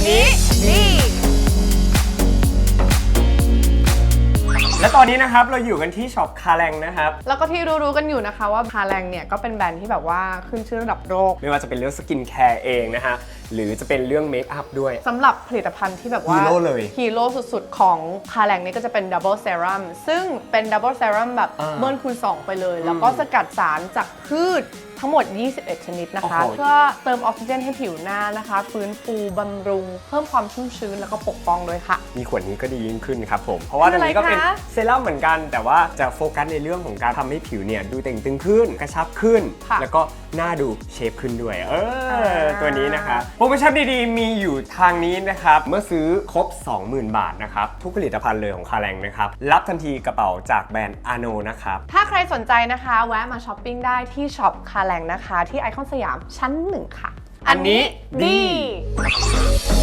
นี้ดีและตอนนี้นะครับเราอยู่กันที่ช็อปคาแรงนะครับแล้วก็ที่รู้ๆกันอยู่นะคะว่าคาแรงเนี่ยก็เป็นแบรนด์ที่แบบว่าขึ้นชื่อระดับโลกไม่ว่าจะเป็นเรื่องสกินแคร์เองนะฮะหรือจะเป็นเรื่องเมคอัพด้วยสำหรับผลิตภัณฑ์ที่แบบว่าฮีโร่เลยฮีโร่สุดๆของคาแรงนี่ก็จะเป็นดับเบิลเซรั่มซึ่งเป็นดับเบิลเซรั่มแบบเบิ้ลคูณ2ไปเลย แล้วก็สกัดสารจากพืชทั้งหมด 21 ชนิดนะคะเพื่อเติมออกซิเจนให้ผิวหน้านะคะฟื้นฟูบำรุงเพิ่มความชุ่มชื้นแล้วก็ปกป้องด้วยค่ะมีขวดนี้ก็ดียิ่งขึ้นครับผมเพราะว่าตัวนี้ก็เป็นเซรั่มเหมือนกันแต่ว่าจะโฟกัสในเรื่องของการทำให้ผิวเนี่ยดูเต่งตึงขึ้นกระชับขึ้นแล้วก็หน้าดูเชฟขึ้นด้วยตัวนี้นะคะโปรโมชั่นดีๆมีอยู่ทางนี้นะครับเมื่อซื้อครบ 20,000 บาทนะครับทุกผลิตภัณฑ์เลยของคาแรงนะครับรับทันทีกระเป๋าจากแบรนด์อาโนนะครับถ้าใครสนใจนะคะแวะมาช้อปปิ้งได้ที่ช็อปคาแรงนะคะที่ไอคอนสยามชั้น 1 ค่ะอันนี้ดี